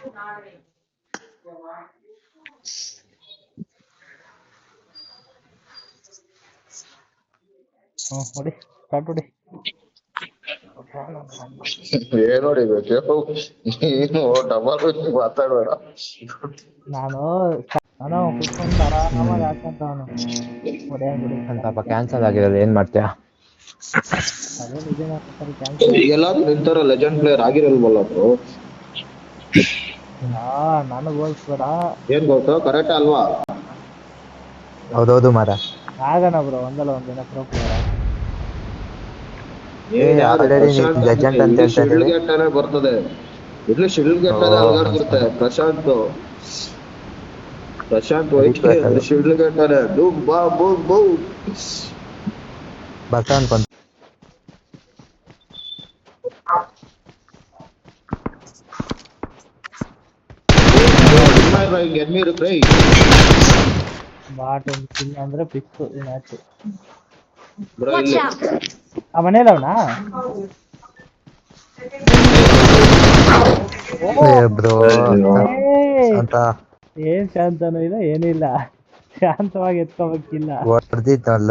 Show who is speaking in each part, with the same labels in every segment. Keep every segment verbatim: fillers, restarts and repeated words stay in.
Speaker 1: ಹ್ಮ್ ಹೊಡಿ ಸ್ಟಾರ್ಟ್ ಹೊಡಿ.
Speaker 2: ಏನ್ ಹೊಡಿಬೇಕು ನೀನು ಡಬಲ್ ಮಾತಾಡಬೇಡ.
Speaker 1: ನಾನು ನಾನು ಕುತ್ಕೊಂಡು ಆರಾಮಾಗಿ ಹಾಕಂತವನು ಹೊಡೆಯಂಗ್ ಹೊಡಿ
Speaker 3: ಪಾಪ ಕ್ಯಾನ್ಸಲ್ ಆಗಿರೋದು ಏನ್ ಮಾಡ್ತೀಯ?
Speaker 1: ಅದೇ ನಿಜ ಕ್ಯಾನ್ಸಲ್.
Speaker 2: ಈಗೆಲ್ಲಾದ್ರೂ ನಿಂತರ ಲೆಜೆಂಡ್ ಪ್ಲೇಯರ್ ಆಗಿರಲ್ವಲ್ಲ ಬ್ರೋ?
Speaker 1: ಹಾ ನನಗ್ ಹೋಲ್ಸ್ಬೇಡ.
Speaker 2: ಏನ್ ಗೊತ್ತು ಕರೆಕ್ಟ್ ಅಲ್ವಾ?
Speaker 3: ಹೌದೌದು ಮಾರ.
Speaker 1: ಆಗೋಣ ಬ್ರೋ ಒಂದಲ್ಲ ಒಂದಿನ ಪ್ರೋ ಪ್ಲೇಯರ್.
Speaker 3: ಲೆಜೆಂಡ್ ಅಂತ
Speaker 2: ಶಿಡ್ಲಘಟ್ಟನೆ ಬರ್ತದೆ. ಇಲ್ಲಿ ಶಿಡ್ಲಘಟ್ಟದ ಅಲ್ಗಾಡ್ತಿರುತ್ತೆ. ಪ್ರಶಾಂತ್ ಪ್ರಶಾಂತ್ ವೈಟ್ ಶಿಡ್ಲಘಟ್ಟನೆ ಡೂಮ್ ಬಾ ಬೂ ಬೂ
Speaker 3: ಬರ್ತಾ ಅನ್ಕೊಂತ.
Speaker 1: ಬಾಟ್ ಒಂದು ಕಿಲ್ ಅಂದ್ರೆ ಫಿಕ್ಸ್ ಈ ಮ್ಯಾಚ್.
Speaker 4: Watch out!
Speaker 1: ಆ ಮನೇಲಿ ಅವನಾ?
Speaker 3: ಬ್ರೋ ಅಂತ
Speaker 1: ಏನ್ ಶಾಂತನೂ ಇಲ್ಲ ಏನಿಲ್ಲ, ಶಾಂತವಾಗಿ ಎತ್ಕೋಬೇಕಿಲ್ಲ
Speaker 3: ಹೊಡೆದಿದ್ದಲ್ಲ.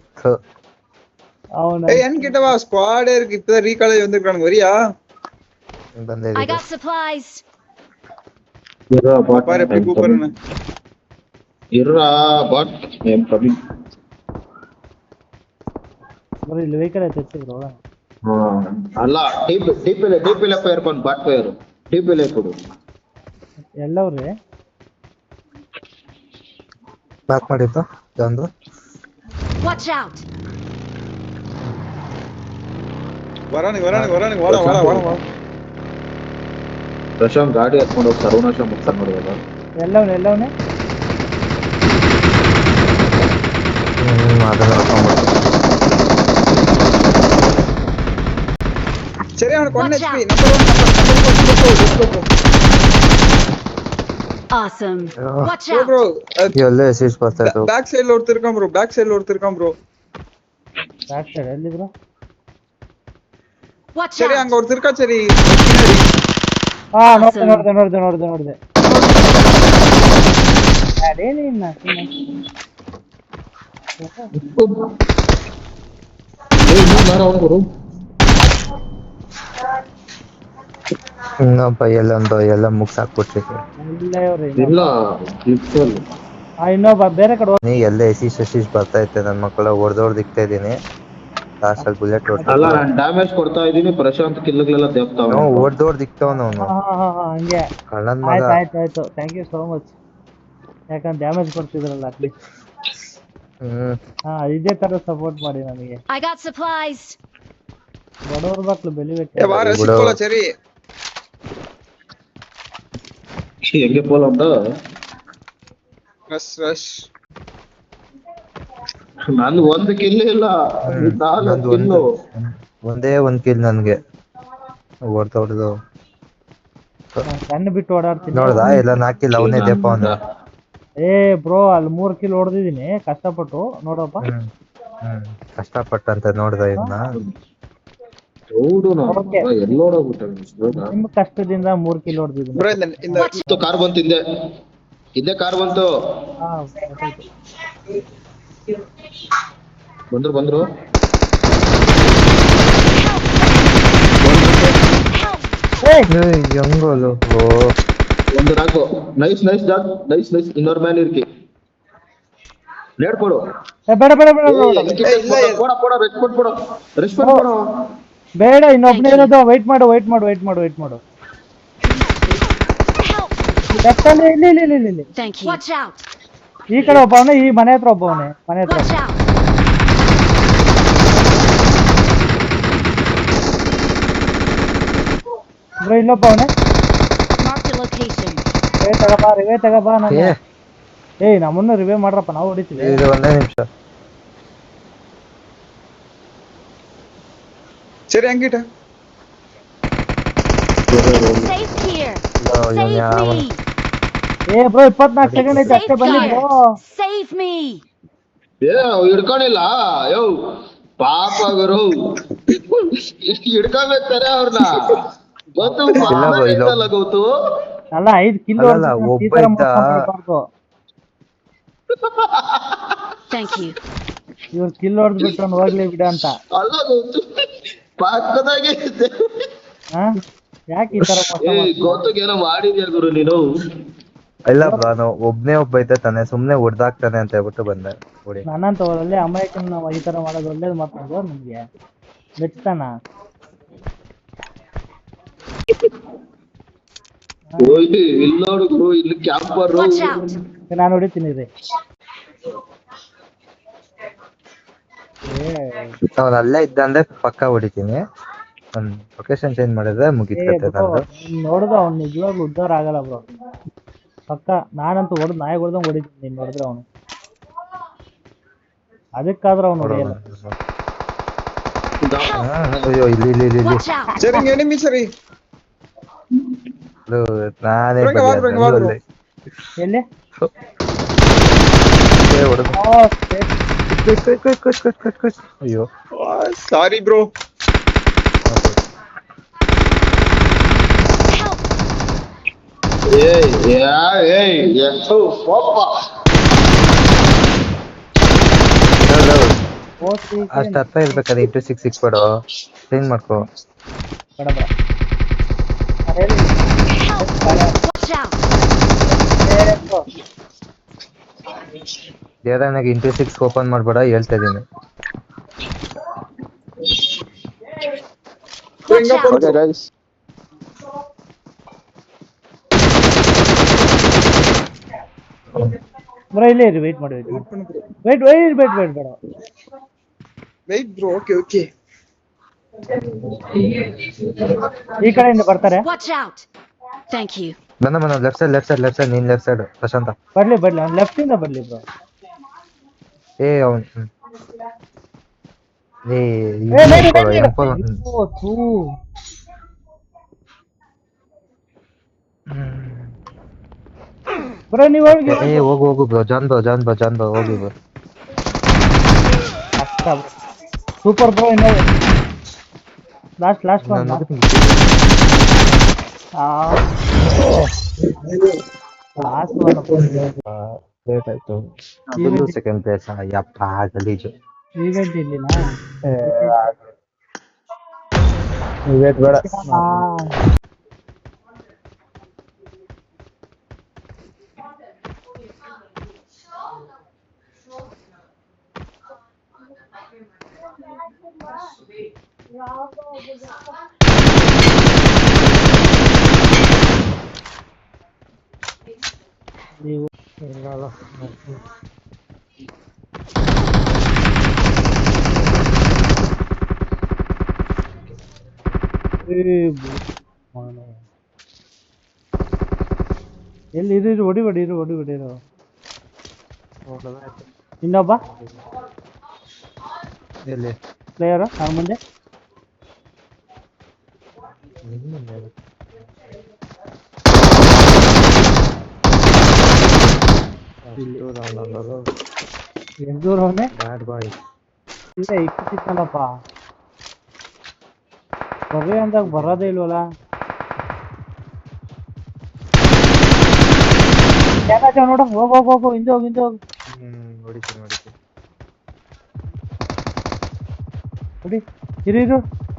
Speaker 1: ಅವನ
Speaker 5: என்கிட்டவா ஸ்குவாட் இருக்கு இப்ப ரீகாலேஜ் வந்திருக்கானுங்க வரியா?
Speaker 4: I got supplies.
Speaker 5: பாரு எப்படி கூப்பிடுறேன்னு.
Speaker 2: ಇರ್ರಾ ಬಾಟ್ ಏನ್ ಕಮ್ಮಿ
Speaker 1: ಬ್ರೋ ಇಲ್ಲಿ ವೆಹಿಕಲ್ ಐತೆ ಬ್ರೋ.
Speaker 2: ಹಾ ಅಲ್ಲ ಟಿಪ್ ಟಿಪ್ ಇಲ್ಲ ಟಿಪ್ ಇಲ್ಲ ಫೈರ್ ಕೊಂಡು ಬಾಟ್ ಫೈರ್ ಟಿಪ್ ಇಲ್ಲ ಕೊಡು
Speaker 1: ಎಲ್ಲವ್ರಿ
Speaker 3: ಬ್ಯಾಕ್ ಮಾಡಿತ್ತು ಒಂದು.
Speaker 4: Watch out!
Speaker 5: வரானுங்க வரானுங்க வரானுங்க வாடா வாடா வாடா வாடா.
Speaker 2: ಪ್ರಶಾಂತ್ ಗಾಡಿ ಹತ್ಕೊಂಡು ಹೋಗಿ ಸರ್ವನಾಶ ಮುಗಿಸ್ತಾನೆ ನೋಡಿದಲ್ಲ.
Speaker 1: ಎಲ್ಲವನೇ ಎಲ್ಲವನೇ
Speaker 3: ಹ್ಮ್ ಅದನ್ನ
Speaker 5: சரி அவனுக்கு one
Speaker 4: Watch
Speaker 5: H P
Speaker 4: out.
Speaker 5: Number one number number
Speaker 4: Awesome. Watch
Speaker 5: bro
Speaker 4: out!
Speaker 5: bro
Speaker 3: ಎಲ್ಲ ಅಸಿಸ್ಟ್ ಬರ್ತಾ ಇತ್ತು.
Speaker 5: ಬ್ಯಾಕ್ ಸೈಡ್ ல ஒருத்தர் இருக்கான் bro ಬ್ಯಾಕ್ ಸೈಡ್ ல ஒருத்தர் இருக்கான் bro.
Speaker 1: ಬ್ಯಾಕ್ ಸೈಡ್ ಎಲ್ಲಿ ಬ್ರೋ?
Speaker 4: Watch
Speaker 5: சரி
Speaker 4: out!
Speaker 5: அங்க ஒருத்தர் இருக்கா சரி.
Speaker 1: ಹಾ ನೋಡ್ದೆ ನೋಡ್ದೆ ನೋಡ್ದೆ ನೋಡ್ದೆ ನೋಡ್ದೆ ಅದೇನಿಲ್ಲ
Speaker 3: ಇನ್ನೊಬ್ಬ ಎಲ್ಲೊಂದು ಎಲ್ಲ ಮುಗ್ಸಾಕ್ಬಿಟ್ಟಿದ್ರು.
Speaker 2: ಇಲ್ಲ ಇಟ್ಸಲ್
Speaker 1: ಆ ಇನ್ನೊಬ್ಬ ಬೇರೆ ಕಡೆ
Speaker 3: ನೀ ಎಲ್ಲ ಎಸಿಸ್ ಎಸಿಸ್ ಬರ್ತಾ ಇತ್ತೆ ನನ್ನ ಮಕ್ಕಳ ಹೊಡೆದೋಡ್ ದಿಕ್ತಾ ಇದೀನಿ. ಲಾಸ್ಟ್ ಅಲ್ಲಿ ಬುಲೆಟ್
Speaker 2: ಅಲ್ಲ ನಾನು ಡ್ಯಾಮೇಜ್ ಕೊಡ್ತಾ ಇದೀನಿ. ಪ್ರಶಾಂತ್ ಕಿಲ್ಗಳೆಲ್ಲ ದೇವ್ತಾವ
Speaker 3: ಹೊಡೆದೋಡ್ ದಿಕ್ತಾವನು ಅವನು
Speaker 1: ಹಾ ಹಾ ಹಾ ಹಂಗೆ
Speaker 3: ಕಳ್ಳನ್ ಮಗ.
Speaker 1: ಆಯ್ತು ಆಯ್ತು ಆಯ್ತು ಥ್ಯಾಂಕ್ ಯು ಸೋ ಮಚ್. ಯಾಕಂದ್ರೆ ಡ್ಯಾಮೇಜ್ ಕೊಡ್ತಿದ್ರಲ್ಲ ಅಟ್ಲೀಸ್ಟ್.
Speaker 3: ಹ್ಮ್
Speaker 1: ಹಾ ಇದೇ ತರ ಸಪೋರ್ಟ್ ಮಾಡಿ ನನಗೆ.
Speaker 4: I got supplies.
Speaker 1: ಬಡವ್ರ ಮಕ್ಳು ಬೆಳಿಬೇಕು.
Speaker 5: ஏ வா ரஷ் போலாம் சரி.
Speaker 2: ಹೆಂಗೆ ಪೋಲ್ ಅಂತ
Speaker 5: ரஷ் ரஷ್
Speaker 2: ನಾನು ಒಂದು ಕಿಲ್ ಇಲ್ಲ ನಾಲ್ಕು ಕಿಲ್.
Speaker 3: ಒಂದೇ ಒಂದ್ ಕಿಲ್ ನನ್ಗೆ ಹೊಡ್ದು ಹೊಡೆದು
Speaker 1: ಕಣ್ಣು ಬಿಟ್ಟು ಓಡಾಡ್ತೀನಿ.
Speaker 3: ನೋಡ್ದಾ ಎಲ್ಲ ನಾಕಿಲ್ಲ ಅವನೇ ದೆಪ್ಪ ಅವನು.
Speaker 1: ಏ ಬ್ರೋ ಅಲ್ಲಿ ಮೂರ್ ಕಿಲ್ ಹೊಡೆದಿದ್ದೀನಿ ಕಷ್ಟಪಟ್ಟು ನೋಡಪ್ಪ.
Speaker 3: ಹ್ಮ್ ಹ್ಮ್ ಕಷ್ಟಪಟ್ಟಂತ ನೋಡ್ದ ಇದನ್ನ.
Speaker 2: ಹೌದು
Speaker 1: Okay.
Speaker 2: ಎಲ್ಲೋಡೋಗ್ಬಿಟ್ಟೆ
Speaker 1: ನಿಮ್ ಕಷ್ಟದಿಂದ ಮೂರ್ ಕಿಲ್ ಹೊಡೆದಿದ್ದೀನಿ.
Speaker 5: bro இந்த இந்த
Speaker 2: ಕಾರ್ ಬಂತು ಹಿಂದೆ ಹಿಂದೆ ಕಾರ್ ಬಂತು.
Speaker 1: ಹಾ ಗೊತ್ತಾಯ್ತು.
Speaker 2: ಬಂದ್ರು ಬಂದ್ರು
Speaker 3: ಹೆಂಗೋಲು
Speaker 2: ಒಂದು ನಾಲ್ಕು ನೈಸ್ ನೈಸ್ ಜಾಗ್ ನೈಸ್ ನೈಸ್ ಇನ್ನೊರ್ ಮೇಲೆ ಇರ್ಕಿ ಲೇಟ್ ಕೊಡು.
Speaker 1: ಏ ಬೇಡ ಬೇಡ ಬೇಡ ಬೇಡ
Speaker 2: ಕೊಡ ಕೊಡ ರೆಸ್ಪಾಂಡ್ ಕೊಡು ರೆಸ್ಪಾಂಡ್ ಕೊಡು.
Speaker 1: ಬೇಡ ಇನ್ನೊಬ್ನೇ ಇರೋದು. ವೈಟ್ ಮಾಡು ವೈಟ್ ಮಾಡು ವೈಟ್ ಮಾಡು ವೈಟ್ ಮಾಡು. ಲೆಫ್ಟ್ ಅಲ್ಲಿ ಇಲ್ಲಿ ಇಲ್ಲಿ ಇಲ್ಲಿ ಇಲ್ಲಿ
Speaker 4: Thank you. Watch out!
Speaker 1: ಈ ಕಡೆ ಒಬ್ಬವನೇ, ಈ ಮನೆ ಹತ್ರ ಒಬ್ಬವನೇ, ಮನೆ ಹತ್ರ.
Speaker 4: Watch out!
Speaker 1: ಬ್ರೋ ಇನ್ನೊಬ್ಬವನೇ.
Speaker 4: Mark the location.
Speaker 1: ರಿವೇ ತಗೋಬಾ ರಿವೇ ತಗೋಬಾ ನಾನು.
Speaker 3: ಏ
Speaker 1: ಏಯ್ ನಮ್ಮನ್ನು ರಿವೇ ಮಾಡ್ರಪ್ಪ ನಾವು ಹೊಡಿತೀವಿ.
Speaker 3: ಇದು ಒಂದೇ ನಿಮಿಷ.
Speaker 5: சரி அங்கிட்ட
Speaker 4: Safe here.
Speaker 3: No,
Speaker 4: Save
Speaker 3: yeah,
Speaker 4: me.
Speaker 1: ಏ ಬ್ರೋ ಇಪ್ಪತ್ನಾಲ್ಕು ಸೆಕೆಂಡ್ ಐತೆ ಅಷ್ಟೇ ಬನ್ನಿ ಬ್ರೋ.
Speaker 4: Save me.
Speaker 2: ಏ ಹಿಡ್ಕೊಂಡಿಲ್ಲ ಯೋ ಪಾಪ ಗುರು ಇಷ್ಟು ಹಿಡ್ಕೊಬೇಕಾರೆ ಅವ್ರನ್ನ ಗೊತ್ತು ಗೊತ್ತು
Speaker 1: ಅಲ್ಲ ಐದು ಕಿಲೋ
Speaker 3: ಅಲ್ಲಲ್ಲ, ಒಬ್ಬ ಇದ್ದ.
Speaker 4: Thank you.
Speaker 1: ಇವ್ರು ಕಿಲ್ ಹೊಡೆದ್ ಬಿಟ್ಟು ಹೋಗ್ಲಿ ಬಿಡ ಅಂತ.
Speaker 2: ಅಲ್ಲ ಗೊತ್ತು ಪಕ್ಕದಾಗೆ ಇದ್ದೆ.
Speaker 1: ಹಾ ಯಾಕೆ ಈ ತರ ಮೋಸ
Speaker 2: ಏ
Speaker 1: ಮಾಡ್ತೀಯ?
Speaker 2: ಗೊತ್ತಿಗೆ ಏನೋ ಮಾಡಿದ್ಯಾ ಗುರು ನೀನು.
Speaker 3: ಇಲ್ಲ ಬ್ರೋ, ನಾವು ಒಬ್ನೇ ಒಬ್ಬ ಇದ್ದ ತಾನೆ, ಸುಮ್ನೆ ಹೊಡ್ದಾಕ್ತಾನೆ ಅಂತ ಹೇಳ್ಬಿಟ್ಟು ಬಂದೆ ಹೊಡಿ.
Speaker 1: ನನ್ನಂತ ಒಳ್ಳೆ ಅಮಾಯಕನ ಈ ತರ ಮಾಡೋದು ಒಳ್ಳೇದು ಮಾತಾಡೋದು ನಿಮ್ಗೆ ಮೆಚ್ತಾನ?
Speaker 2: ಓಯ್ ಇಲ್ಲಿ ನೋಡು ಗುರು, ಇಲ್ಲಿ ಕ್ಯಾಂಪರ್.
Speaker 4: Watch out.
Speaker 1: ನಾನು ಹೊಡಿತೀನಿ ರೀ.
Speaker 3: ಅವ್ನು ಅಲ್ಲೇ ಇದ್ದ ಅಂದ್ರೆ ಪಕ್ಕ ಹೊಡಿತೀನಿ. ಒಂದ್ ಲೊಕೇಶನ್ ಚೇಂಜ್ ಮಾಡಿದ್ರೆ ಮುಗಿತೈತೆ ನಂದು.
Speaker 1: ನೋಡಿದ್ರೆ ಅವ್ನು ನಿಜವಾಗ್ಲೂ ಉದ್ಧಾರ ಆಗಲ್ಲ ಬ್ರೋ ಪಕ್ಕ. ನಾನಂತೂ ಹೊಡೆದ್ ನಾಯಿ ಹೊಡೆದಂಗ್ ಹೊಡಿತೀನಿ ನೀನ್ ನೋಡಿದ್ರೆ ಅವನು. ಅದಕ್ಕಾದ್ರೆ ಅವ್ನು ಹೊಡೆಯಲ್ಲ.
Speaker 3: ಅಯ್ಯೋ ಇಲ್ಲಿ ಇಲ್ಲಿ ಇಲ್ಲಿ ಇಲ್ಲಿ.
Speaker 4: Watch out.
Speaker 5: Sharing enemy sari.
Speaker 3: ಇದು ನಾನೇ
Speaker 5: ಬರಂಗ ಬಾ, ಬರಂಗ ಬಾ,
Speaker 3: ಬದಿಯ
Speaker 5: ಬರಂಗ.
Speaker 1: ಎಲ್ಲಿ?
Speaker 3: ಏ, ಹೊಡೆದು.
Speaker 1: ಓ, shit.
Speaker 3: Cut, cut, cut, cut, cut, cut, cut. ಅಯ್ಯೋ
Speaker 5: Oh, sorry bro.
Speaker 4: Help.
Speaker 2: ಏಯ್ ಯಾ ಏಯ್ ಎಷ್ಟು ಪಾಪ.
Speaker 1: ಓ, ಸಿ, ಸಿ.
Speaker 3: ಅಷ್ಟ್ ಹತ್ರ ಇರ್ಬೇಕಾದ್ರೆ ಇಂಟು ಸಿಕ್ಸ್ ಸಿಕ್ಬೇಡು, ಚೇಂಜ್ ಮಾಡ್ಕೋ.
Speaker 1: ಬೇಡ ಬೇಡ. ನಾನು ಹೇಳಿ.
Speaker 4: Watch out.
Speaker 1: ಏ, bro.
Speaker 3: ದೇವರಾನಾಗ ಇಂಟು ಸಿಕ್ಸ್ ಓಪನ್ ಮಾಡ್ಬೇಡ ಹೇಳ್ತಾ ಇದೀನಿ.
Speaker 4: Watch out.
Speaker 2: Okay guys.
Speaker 1: Bro ಇಲ್ಲೇ ಇರಿ, ವೇಟ್ ಮಾಡಿ, wait wait wait wait wait ಬೇಡ.
Speaker 5: Wait bro. Okay, okay.
Speaker 1: ಈ ಕಡೆಯಿಂದ ಬರ್ತಾರೆ.
Speaker 4: Watch out. Thank you.
Speaker 3: ನನ್ನ ಮನ left side left side left side ನೀನ್ ಲೆಫ್ಟ್ ಸೈಡ್ ಪ್ರಶಾಂತ.
Speaker 1: ಬರ್ಲಿ ಬರ್ಲಿ, ಅವ್ನು ಲೆಫ್ಟ್ ಇಂದ ಬರ್ಲಿ ಬ್ರೋ.
Speaker 3: ಏ ಅವ್ನ್ ಹ್ಮ್. ಏ
Speaker 1: ಏ, ಬೇಡ, ಬೇಡ, ಬೇಡ.
Speaker 3: ಎಂ ಫೋರ್
Speaker 1: ಓ, ಥೂ. ಬ್ರೋ ನೀವು ಹೋಗಿ.
Speaker 3: ಏ ಹೋಗು ಹೋಗು ಬ್ರೋ, ಜಾನ್ ಬ್ರೋ ಜಾನ್ ಬ್ರೋ ಜಾನ್ ಬ್ರೋ ಹೋಗಿ ಬ್ರೋ.
Speaker 1: ಅಷ್ಟ ಸೂಪರ್ ಬ್ರೋ. ಇನ್ನು last last one. Last
Speaker 3: late ಆಯ್ತು. ಅದು ಸೆಕೆಂಡ್ ಪ್ಲೇಸ್. ಯಪ್ಪ ಗಲೀಜು.
Speaker 1: ಈವೆಂಟ್ ಇಲ್ಲಿನಾ?
Speaker 3: ವೇಟ್ ಬೇಡ.
Speaker 1: ನೀವು ಎಲ್ಲಿ ಇರು ಇರು, ಹೊಡಿ ಹೊಡಿ ಇರು, ಹೊಡಿ ಹೊಡಿ ಇರು. ಇನ್ನೊಬ್ಬ
Speaker 3: ಎಲ್ಲಿ
Speaker 1: ಪ್ಲೇಯರು ಅವ್ರ ಮುಂದೆ. ಎಂದೂರ್ ಅವನೇ
Speaker 3: ಬ್ಯಾಡ್ ಬಾಯ್.
Speaker 1: ಇಲ್ಲ ಇಕ್ಕಿತ್ತಲ್ಲಪ್ಪ. ಬರ್ರಿ ಅಂದಾಗ ಬರೋದೇ ಇಲ್ವಲ್ಲ. ಯಾಕಾಚ ನೋಡು, ಹೋಗ್ ಹೋಗ್ ಹೋಗು, ಹಿಂದೆ ಹೋಗಿ ಹಿಂದೆ ಹೋಗು.
Speaker 3: ಹ್ಮ್ ಹೊಡಿತೀನಿ ಹೊಡಿತೀನಿ.
Speaker 1: ಹೊಡಿ, ಇರು ಇರು.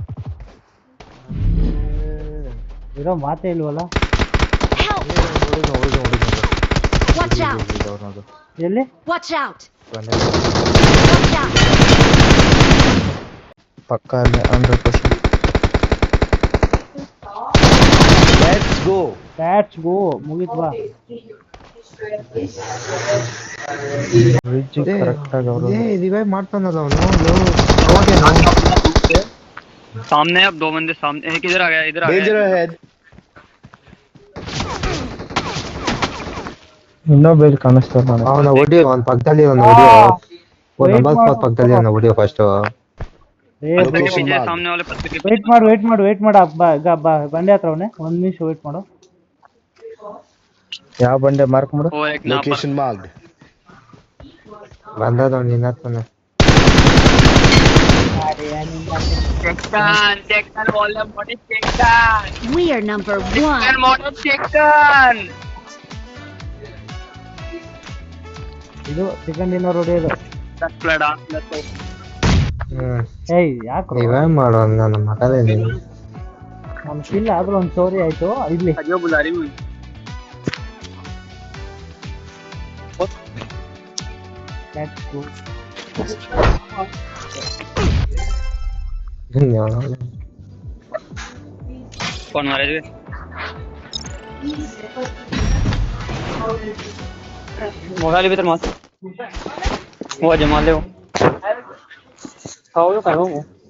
Speaker 1: ಇರೋ ಮಾತೇ ಇಲ್ವಲ್ಲ.
Speaker 4: Help.
Speaker 3: ಹೊಡಿದು ಹೊಡಿದು ಹೊಡಿದು.
Speaker 4: Watch out.
Speaker 1: ಎಲ್ಲಿ?
Speaker 4: Watch out.
Speaker 3: ಬಂದೆ.
Speaker 4: Watch out.
Speaker 3: ಪಕ್ಕ ಅಲ್ಲೇ hundred percent. Let's go.
Speaker 1: Let's go. ಮುಗೀತು ಬಾ.
Speaker 3: ಬ್ರಿಡ್ಜ್ ಕರೆಕ್ಟ್ ಆಗಿ ಅವರು. ಏ ರಿವೈವ್ ಮಾಡ್ತಾನಲ್ಲ ಅವನು.
Speaker 6: सामने अब दो बंदे सामने। एक इधर आ गया, इधर आ गया।
Speaker 3: ಇನ್ನೊಬ್ಬ ಇಲ್ಲಿ ಕಾಣಿಸ್ತಾರ. ಅವನ ಹೊಡಿಯೋ, ಅವನ ಪಕ್ಕದಲ್ಲಿ ಅವನ ಹೊಡಿಯೋ. ಓ ನಂಬರ್ ಫೋರ್ ಪಕ್ಕದಲ್ಲಿ ಅವನ ಹೊಡಿಯೋ ಫಸ್ಟ್.
Speaker 6: पत्ते के पीछे, सामने वाले पत्ते के
Speaker 1: ವೇಟ್ ಮಾಡು ವೇಟ್ ಮಾಡು ವೇಟ್ ಮಾಡು. ಬಂಡೆ ಹತ್ರ ಅವನೇ. ಒಂದ್ ನಿಮಿಷ ವೇಟ್ ಮಾಡು.
Speaker 3: ಯಾವ ಬಂಡೆ ಮಾರ್ಕ್ ಮಾಡು.
Speaker 6: वो एक लोकेशन
Speaker 3: ಬಂದದ ನಿನ್ನ ಹತ್ರನೇ.
Speaker 6: चेकन चेकन बोल रहा मोटे चेकन
Speaker 4: We are number
Speaker 6: चेकन
Speaker 4: one.
Speaker 6: मोटे चेकन
Speaker 1: ಇದು ಚಿಕನ್ ಡಿನ್ನರ್ ಹೊಡೆಯೋದು.
Speaker 6: दस प्लेट आठ प्लेट तो
Speaker 3: ಹ್ಮ್
Speaker 1: ಏಯ್ ಯಾಕ್ರೋ
Speaker 3: ನೀವೇನ್ ಮಾಡೋ ನನ್ನ ಮಗನೇ ನೀನು
Speaker 1: ನಮ್ ಕಿಲ್ ಆದ್ರೂ ಒಂದ್ ಸ್ಟೋರಿ ಆಯ್ತು ಇಲ್ಲಿ.
Speaker 6: अजो बुला रही हूँ
Speaker 1: Let's go.
Speaker 6: कौन मारे थे मोबाइल भीतर मत वो जमा ले वो खाओ खाओ